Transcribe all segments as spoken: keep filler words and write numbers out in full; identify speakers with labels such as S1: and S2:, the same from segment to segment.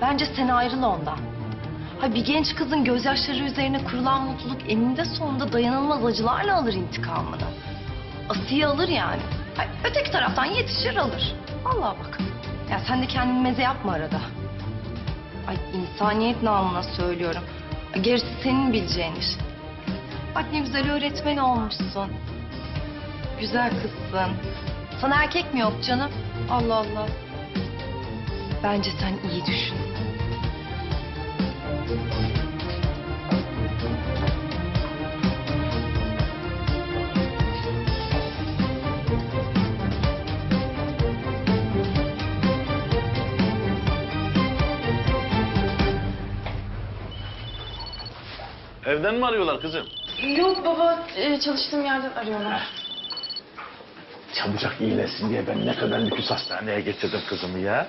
S1: Bence sen ayrıl ondan. Ha, bir genç kızın gözyaşları üzerine kurulan mutluluk eninde sonunda dayanılmaz acılarla alır intikamını. Asiye alır yani. Ha, öteki taraftan yetişir alır. Vallahi bak. Ya sen de kendini meze yapma arada. Ay, insaniyet namına söylüyorum. Gerisi senin bileceğin iş. Bak ne güzel öğretmen olmuşsun. Güzel kızsın. Sana erkek mi yok canım? Allah Allah. Bence sen iyi düşün.
S2: Evden mi arıyorlar kızım?
S3: Yok baba, e, çalıştığım yerden arıyorlar.
S2: Çabucak iyileşsin diye ben ne kadar lüküs hastaneye getirdim kızımı ya.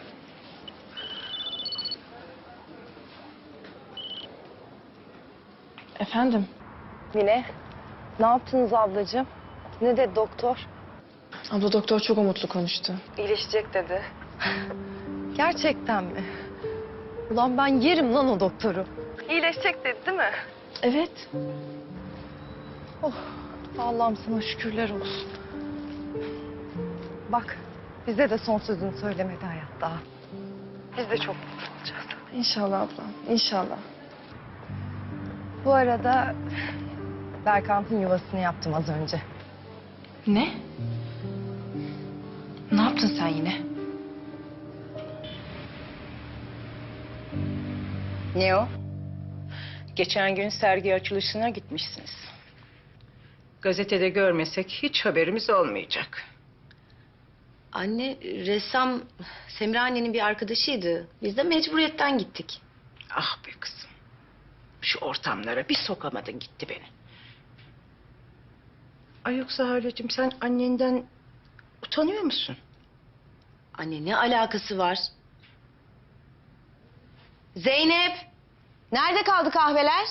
S3: Efendim?
S1: Mine, ne yaptınız ablacığım? Ne dedi doktor?
S3: Abla doktor çok umutlu konuştu.
S1: İyileşecek dedi. Gerçekten mi? Ulan ben yerim lan o doktoru. İyileşecek dedi değil mi?
S3: Evet.
S1: Oh, Allah'ım sana şükürler olsun. Bak, bize de son sözünü söylemedi hayat daha. Biz de çok mutlu olacağız.
S3: İnşallah abla, inşallah.
S1: Bu arada Berkant'ın yuvasını yaptım az önce.
S3: Ne? Ne yaptın sen yine?
S4: Ne o? Geçen gün sergi açılışına gitmişsiniz. Gazetede görmesek hiç haberimiz olmayacak.
S5: Anne, ressam Semra annenin bir arkadaşıydı. Biz de mecburiyetten gittik.
S4: Ah be kızım. Şu ortamlara bir sokamadın gitti beni. Ay yoksa Haleciğim sen annenden utanıyor musun?
S5: Anne ne alakası var? Zeynep! Nerede kaldı kahveler?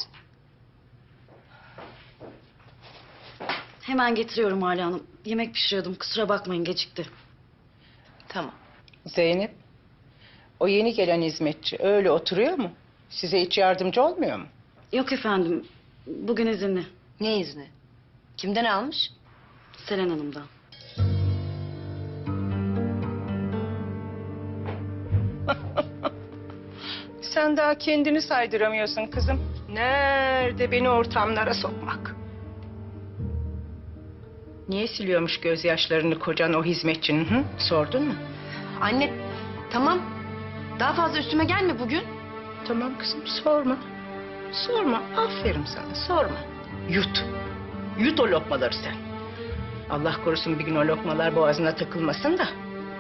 S5: Hemen getiriyorum Hala Hanım. Yemek pişiriyordum. Kusura bakmayın gecikti.
S1: Tamam.
S4: Zeynep, o yeni gelen hizmetçi öyle oturuyor mu? Size hiç yardımcı olmuyor mu?
S5: Yok efendim. Bugün izinli.
S1: Ne izni? Kimden almış?
S5: Selen Hanım'dan.
S4: Sen daha kendini saydıramıyorsun kızım. Nerede beni ortamlara sokmak? Niye siliyormuş gözyaşlarını kocan o hizmetçinin? Hı? Sordun mu?
S5: Anne tamam. Daha fazla üstüme gelme bugün.
S4: Tamam kızım sorma. Sorma. Aferin sana sorma. Yut. Yut o lokmaları sen. Allah korusun bir gün o lokmalar boğazına takılmasın da.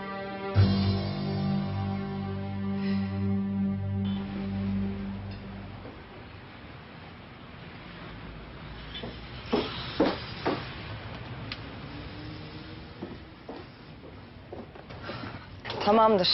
S1: Tamamdır.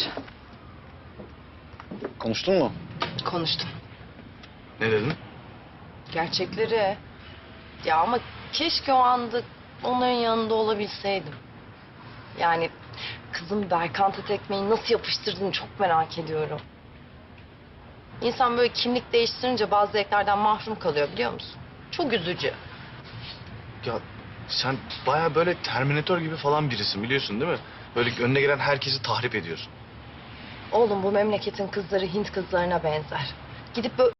S2: Konuştun mu?
S1: Konuştum.
S2: Ne dedin?
S1: Gerçekleri. Ya ama keşke o anda onların yanında olabilseydim. Yani kızım Berkant'a tekmeyi nasıl yapıştırdığını çok merak ediyorum. İnsan böyle kimlik değiştirince bazı zevklerden mahrum kalıyor biliyor musun? Çok üzücü.
S6: Ya sen baya böyle Terminator gibi falan birisin biliyorsun değil mi? Böyle önüne gelen herkesi tahrip ediyorsun.
S1: Oğlum bu memleketin kızları Hint kızlarına benzer. Gidip böyle